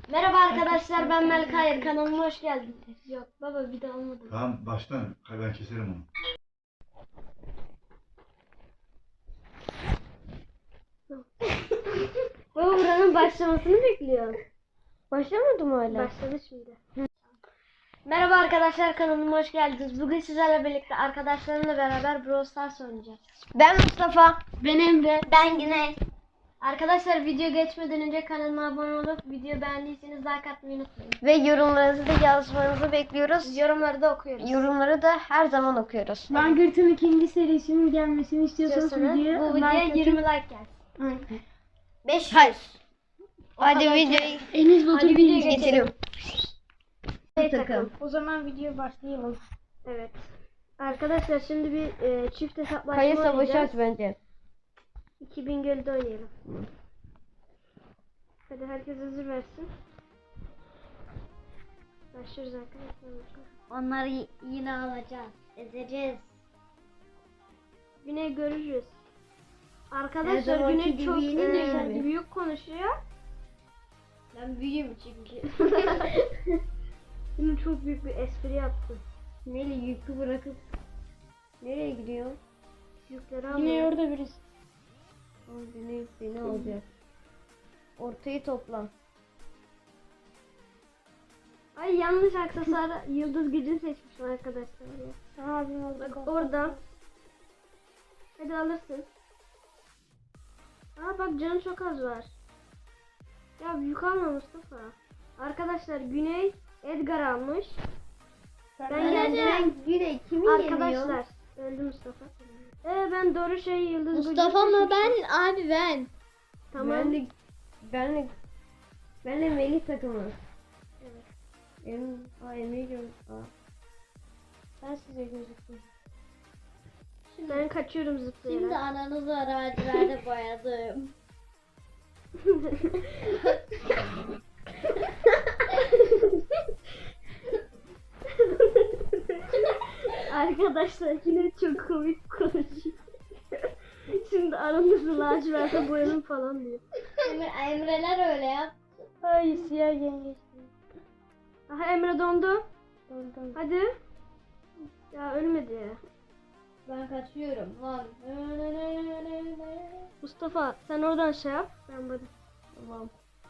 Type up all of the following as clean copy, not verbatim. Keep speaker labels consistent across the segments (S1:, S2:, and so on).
S1: Merhaba arkadaşlar, ben Melkayır, kanalıma hoş geldiniz. Yok baba, bir de olmadı.
S2: Tamam baştan ben keserim onu.
S1: Baba buranın başlamasını bekliyorum.
S3: Başlamadı mı hala?
S1: Başladı şimdi. Merhaba arkadaşlar, kanalıma hoş geldiniz. Bugün sizlerle birlikte arkadaşlarımla beraber Brawl Stars oynayacağız.
S3: Ben Mustafa.
S1: Ben Emre.
S3: Ben Güney.
S1: Arkadaşlar video geçmeden önce kanalıma abone olup video beğendiyseniz like atmayı unutmayın.
S3: Ve yorumlarınızı da yazmanızı bekliyoruz.
S1: Yorumları da okuyoruz.
S3: Yorumları da her zaman okuyoruz.
S4: Langırt'ın ikinci serisinin gelmesini istiyorsanız
S1: Bu videoya 20 like gelsin.
S3: 500.
S1: Hayır.
S3: Hadi
S1: kadar
S3: videoyu
S4: Enes Batur
S1: Hadi videoya
S3: geçelim.
S1: takım.
S4: O zaman video başlayalım.
S1: Evet. Arkadaşlar şimdi bir çift hesaplaşma
S3: Kayı savaşı
S1: oynayacağız.
S3: aç bence.
S1: 2000 gölde oynayalım. Hadi herkes hazır versin. Başlıyoruz arkadaşlar.
S3: Onları yine alacağız. Ezeceğiz.
S1: Güney görürüz.
S3: Her
S1: Arkadaşlar
S3: zamanki
S1: Güney
S3: gibi
S1: çok
S3: yenilmez mi?
S1: büyük konuşuyor.
S3: Ben büyüğüm çünkü.
S1: Güney çok büyük bir espri yaptı.
S3: Neyle yükü bırakıp nereye gidiyor?
S1: Yükleri
S4: Yine
S1: alıyor.
S4: orada birisi.
S3: Beni alacak. Ortayı topla.
S1: Ay yanlış aksesuar yıldız gücünü seçmişim arkadaşlar ya.
S4: Abim orada.
S1: Bak orada. Hadi alırsın. Aa bak canı çok az var. Ya yük alma Mustafa. Arkadaşlar Güney Edgar almış. Ben yendim.
S3: Güney kimi
S1: Arkadaşlar öldü Mustafa. Ben doğru şey yıldız gücünü
S3: Mustafa mı
S1: seçmişim.
S3: ben? Abi ben.
S1: Tamam.
S3: Benle Melih takımı.
S1: Evet.
S3: Emre'yi gördüm. Ben size gözüktüm.
S1: Ben kaçıyorum zıplayarak.
S3: Şimdi ananızı arazilerde boyadım.
S1: Arkadaşlar yine çok komik konuşuyor. Şimdi aranızı laciverte boyanın falan diyor.
S3: Emreler öyle yap.
S4: Ay siyah yengeç.
S1: Aha Emre dondu.
S4: Oradan.
S1: Hadi. Ya ölmedi.
S3: Ben kaçıyorum lan.
S1: Mustafa sen oradan şey yap. Ben böyle.
S3: Tamam.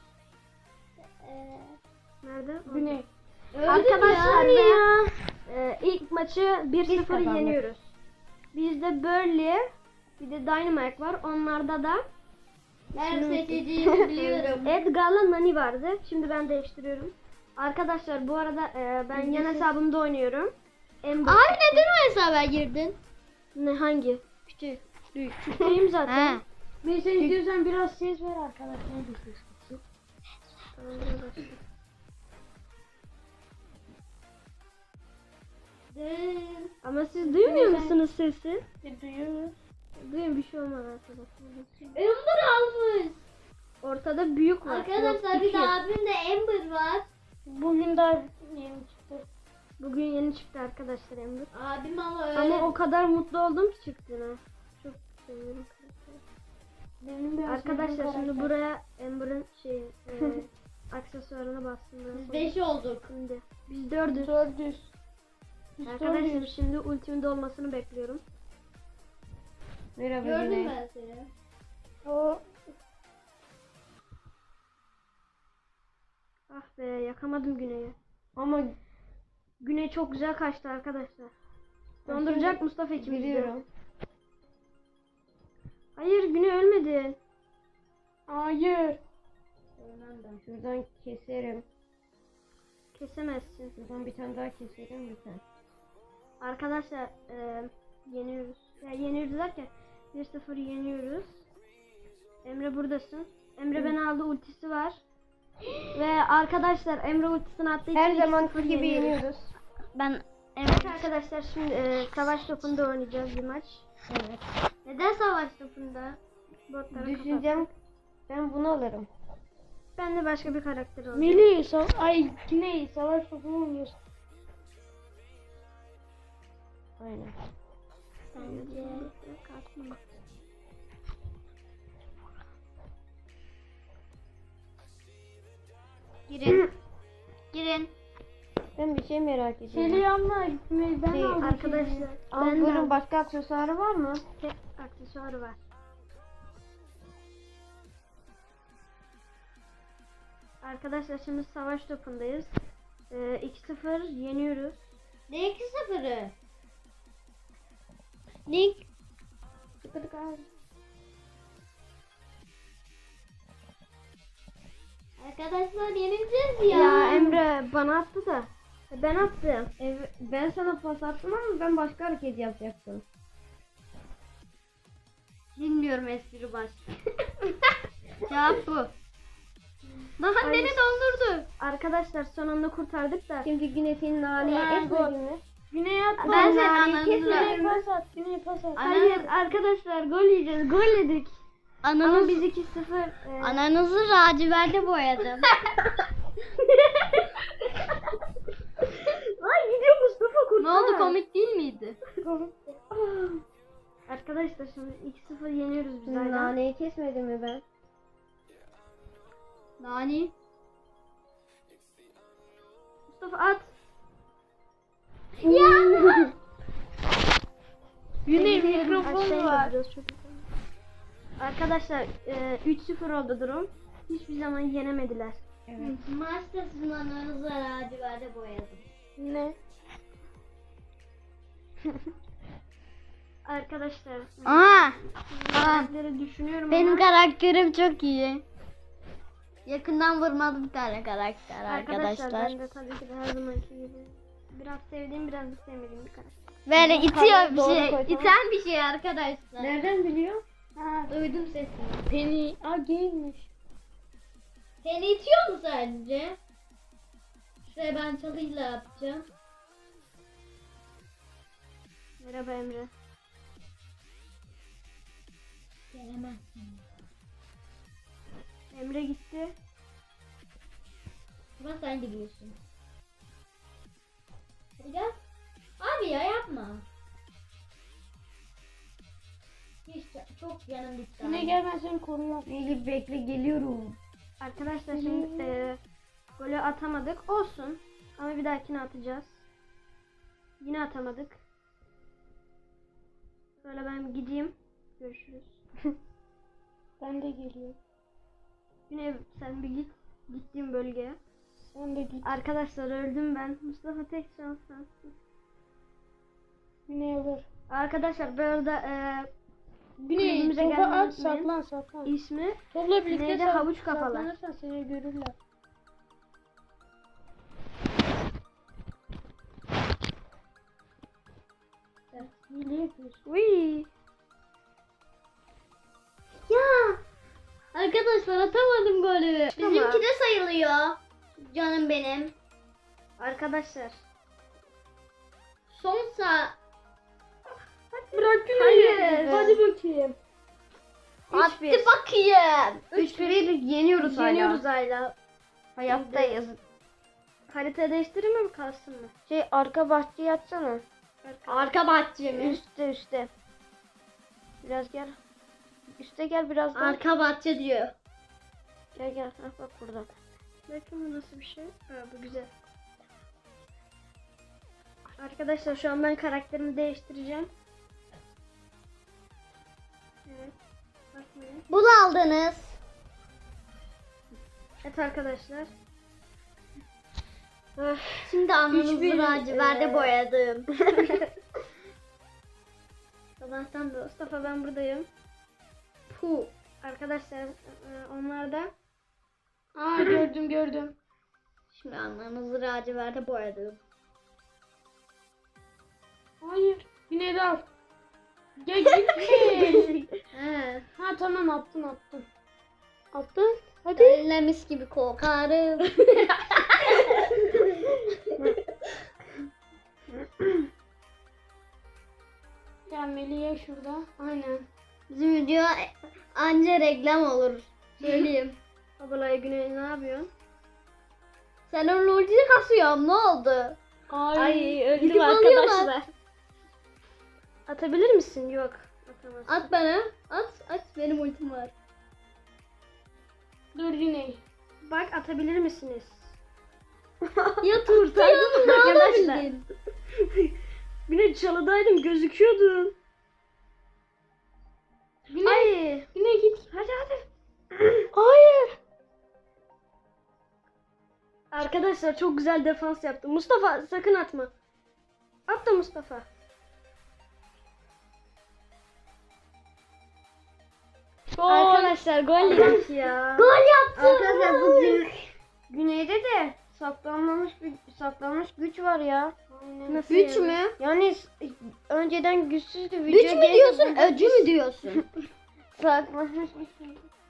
S1: Nerede?
S4: Güney.
S1: Arkadaşlar ilk maçı 1-0
S3: kazandık.
S1: yeniyoruz. Bizde Burley bir de Dynamite var. Onlarda da
S3: Ben seçeceğimi biliyorum.
S1: Edgar'la Nani vardı. Şimdi ben değiştiriyorum. Arkadaşlar bu arada ben yan hesabımda oynuyorum. Ember.
S3: Abi neden o hesaba girdin?
S1: Ne hangi?
S3: Küçük.
S1: Küçüğüm zaten.
S4: Neyse istiyorsan biraz ses ver arkadaşlar.
S1: Tamam, biraz başla. Ama siz duymuyor musunuz sesi?
S4: Duyuyoruz.
S1: Duyun bir şey olmaz arkadaşlar.
S3: Ember almış.
S1: Ortada büyük var.
S3: Arkadaşlar
S1: Yok,
S3: bir
S1: iki.
S3: de abimde Ember var.
S4: Bugün daha yeni çıktı.
S1: Bugün yeni çıktı arkadaşlar Ember.
S3: Abim ama öyle.
S1: Ama o kadar mutlu oldum ki çıktığına. Çok seviyorum.
S4: Benim biraz
S1: Arkadaşlar
S4: sevdiğim
S1: şimdi
S4: karakter.
S1: buraya Ember'ın aksesuarına bastım.
S3: Biz 5 olduk.
S1: Şimdi biz 4'üz.
S4: 400. Biz
S1: Arkadaşlar
S4: 400.
S1: şimdi ultimin dolmasını bekliyorum.
S3: Merhaba Gördüm ben seni.
S4: O
S1: Ah be yakamadım Güney'i.
S3: Ama
S1: Güney çok güzel kaçtı arkadaşlar. Donduracak Mustafa ikimizi de.
S3: biliyorum.
S1: Hayır Güney ölmedi.
S4: hayır.
S3: Şuradan keserim.
S1: Kesemezsin.
S3: Şuradan bir tane daha keserim lütfen.
S1: Arkadaşlar yeniyoruz. Ya yeniyoruz derken 1-0 yeniyoruz. Emre buradasın. Emre beni aldı, ultisi var. Ve arkadaşlar Emre ultisini attığı için
S3: Her
S1: 2-0
S3: zamanki gibi
S1: yeniyoruz.
S3: yeniyoruz.
S1: Ben evet arkadaşlar şimdi savaş topunda oynayacağız bir maç.
S3: Evet.
S1: Neden savaş topunda? Botları kapat.
S3: Düşüneceğim. Ben bunu alırım.
S1: Ben de başka bir karakter olacağım.
S4: Melih ay Güney savaş topu mu oynuyorsun?
S3: Aynen.
S5: Girin. Girin.
S3: Ben bir şey merak ediyorum.
S4: Selamlar. Ben
S3: Şey,
S4: aldım.
S1: Arkadaşlar
S3: Ama
S1: ben de
S3: bunun başka aksesuarı var mı?
S1: tek aksesuarı var. Arkadaşlar şimdi savaş topundayız. 2-0 yeniyoruz.
S5: Ne 2-0'ı? Link. Arkadaşlar yenileceğiz ya.
S1: Ya Emre bana attı da. Ben attım.
S3: Ben sana pas attım ama ben başka hareket yapacaktım.
S5: Bilmiyorum espri baş. Cevap bu. Daha beni dondurdu.
S1: Arkadaşlar son anda kurtardık da.
S3: Şimdi yine senin naneyi
S4: Ben
S3: etmedin mi?
S4: Güney atma.
S5: Ben senin
S1: naneyi
S5: ananı
S4: Güney pas at. Güney pas at.
S1: Hayır arkadaşlar gol yiyeceğiz. Gol yedik. Ama
S5: Ananız,
S1: biz 2-0.
S5: ananızı laciverde boyadım.
S1: Ay gidiyor Mustafa kurtar.
S5: Ne oldu, komik değil miydi?
S1: Arkadaşlar şimdi 2-0 yeniyoruz biz
S3: Senin
S1: hala.
S3: naneyi kesmedim mi ben?
S5: Nani?
S1: Mustafa at.
S4: Güney
S1: Aşağıya
S4: mikrofonu var.
S1: indiriyoruz, çok güzel. Arkadaşlar 3-0 oldu durum. Hiçbir zaman yenemediler.
S5: Maçta sizin ananızı laciverde boyadım.
S4: Ne?
S1: Arkadaşlar
S5: Aa!
S1: karakterleri düşünüyorum
S5: Benim
S1: ama
S5: karakterim çok iyi. Yakından vurmalı bir tane karakter
S1: arkadaşlar
S5: arkadaşlar.
S1: ben de tabii ki de her zamanki gibi biraz sevdiğim biraz da sevmediğim bir karakter.
S5: Böyle itiyor bir
S3: doğru
S5: şey.
S3: koy, tamam.
S5: İten bir şey arkadaşlar.
S3: Nereden biliyor?
S4: Ha,
S5: Duydum sesini.
S4: Penny. Aa gaymiş.
S5: Seni itiyor mu sadece? Şuraya ben çalıyla yapacağım.
S1: Merhaba Emre.
S5: Gelemezsin.
S1: Emre gitti.
S5: Ama sen gidiyorsun. Hadi gel. Abi ya yapma. Hiç çok yanım gitti.
S4: Güney gel ben seni koruyorum.
S3: Melih bekle geliyorum.
S1: Arkadaşlar şimdi golü atamadık. Olsun. Ama bir dahakine atacağız. Yine atamadık. Böyle ben gideyim. Görüşürüz.
S4: Ben de geliyorum.
S1: Yine sen bir git. Gittiğim bölgeye.
S4: Sen de git.
S1: Arkadaşlar öldüm ben. Mustafa tek şans sensin.
S4: Güney alır.
S1: Arkadaşlar bu arada
S4: Güney
S1: Kulübümüze
S4: topa
S1: gelmeyi
S4: at
S1: unutmayın.
S4: saklan saklan.
S1: ismi
S4: Topla birlikte
S1: Güney'de havuç kafalar.
S4: saklanırsan seni görürler. Hile yapıyorsun.
S1: Uy.
S5: Ya arkadaşlar atamadım golü.
S1: Tamam.
S5: Bizimki de sayılıyor. Canım benim.
S1: Arkadaşlar.
S5: Son sağ.
S4: Bırak Güney'i.
S1: Hayır.
S4: Hadi bakayım.
S5: Attı
S1: 3-1.
S5: bakayım.
S3: 3-1'i yeniyoruz hala.
S1: Yeniyoruz hala.
S3: Hayattayız.
S1: Harita değiştireyim mi kalsın mı?
S3: Şey arka bahçeye yatsana.
S5: Arka bahçe mi?
S3: Üste. Biraz gel. Üste gel biraz daha.
S5: Arka bahçe diyor.
S3: Gel. Ha, bak burada.
S1: Bakın bu nasıl bir şey. Ha, bu güzel. Arkadaşlar şu an ben karakterimi değiştireceğim. Evet. Bakmayın.
S5: Bunu aldınız.
S1: Evet arkadaşlar.
S5: Şimdi ananızı
S1: Hiçbir,
S5: laciverde boyadım.
S1: Sabahtan da Mustafa ben buradayım. Puh. Arkadaşlar onlar da
S4: Aa gördüm.
S5: Şimdi ananızı laciverde boyadım.
S4: Hayır. Güney de al. Gel gitme.
S5: He.
S4: Ha tamam attın. Attın. Hadi.
S5: Eline mis gibi kokarım.
S4: Gel Melih'e şurada. Aynen.
S5: Bizim video anca reklam olur. Söyleyeyim.
S1: Abalay Güney ne yapıyorsun?
S5: Sen o ultiyi kasıyorsun, ne oldu?
S4: Ay.
S5: Gidip alıyorlar.
S1: Atabilir misin? Yok. Atamazsın.
S5: At bana. At benim ultim var.
S4: Dur Güney.
S1: Bak atabilir misiniz? Ya kurtardın mı arkadaşlar?
S5: Arkadaşlar.
S1: Yine çalıdaydım gözüküyordun. Ay.
S4: Yine git.
S1: Hadi hadi.
S4: Hayır.
S1: Arkadaşlar çok güzel defans yaptım. Mustafa sakın atma. At da Mustafa. Arkadaşlar gol yedik ya.
S4: Gol yaptı.
S3: Arkadaşlar bu güneyde de saklanmış güç var ya.
S1: Nasıl
S5: Güç
S1: yani?
S5: mü?
S3: Yani önceden güçsüzdü.
S5: Güç mü
S3: gelince
S5: diyorsun,
S3: bu-
S5: öcü mü diyorsun?
S3: Saklanmış güç.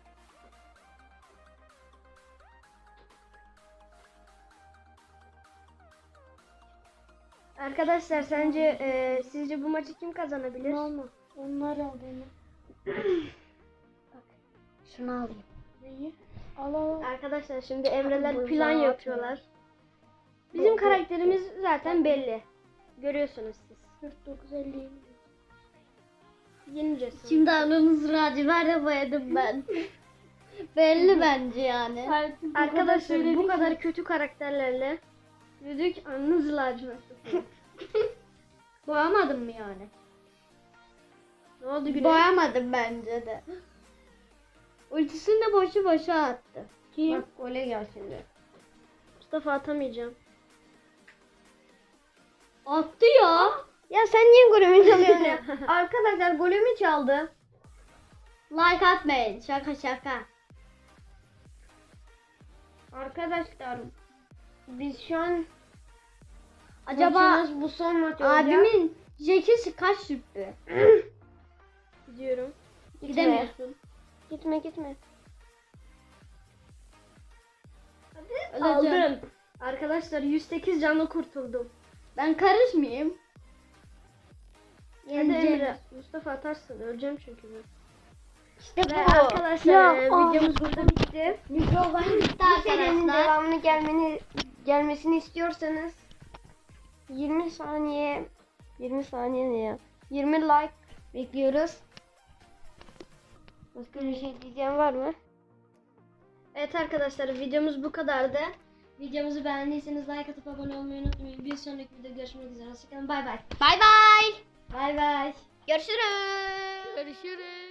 S1: Arkadaşlar sence sizce bu maçı kim kazanabilir?
S4: Olma. Onlar al beni.
S5: Şunu alayım.
S4: Neyi? Al al.
S1: Arkadaşlar şimdi Emreler
S3: Bu
S1: plan
S3: zaten-
S1: yapıyorlar. Bizim karakterimiz zaten belli. Görüyorsunuz siz.
S4: 49-50.
S1: Yeneceğiz.
S5: Şimdi aranızı laciverde boyadım ben. Belli bence yani.
S1: Arkadaşlar bu kadar kötü karakterlerle yürüdük anınız lacivert.
S5: Boyamadım mı yani?
S1: Ne oldu Güney?
S5: Boyamadım bence de. Ultisini de boşu boşa attı.
S3: Bak gole gel şimdi.
S1: Mustafa atamayacağım.
S5: Attı ya.
S3: Ya sen niye golümü çalıyorsun ya? Arkadaşlar golümü çaldı.
S5: Like atmayın. Şaka şaka.
S3: Arkadaşlar biz şu an
S5: Acaba
S3: maçımız bu son maç olacak.
S5: abimin Jack'i kaç rütbe?
S1: Gidiyorum.
S5: Gidemiyorsun.
S3: Gitme.
S5: Öleceğim.
S1: Aldım. Arkadaşlar 108 canlı kurtuldum.
S5: Ben karışmayayım.
S1: Hadi
S5: Yeneceğim.
S1: Emre. Mustafa atarsın. Öleceğim çünkü ben.
S3: İşte
S1: Ve arkadaşlar videomuz burada bitti.
S5: Mikroban bitti
S3: Bu serinin
S5: arkadaşlar.
S3: devamını gelmesini istiyorsanız 20 saniye ne ya? 20 like bekliyoruz. Başka bir şey diyeceğim var mı?
S1: Evet arkadaşlar videomuz bu kadardı. Videomuzu beğendiyseniz like atıp abone olmayı unutmayın. Bir sonraki videoda görüşmek üzere. Hoşçakalın. Bay bay.
S5: Bay bay.
S1: Bay bay.
S5: Görüşürüz.
S4: Görüşürüz.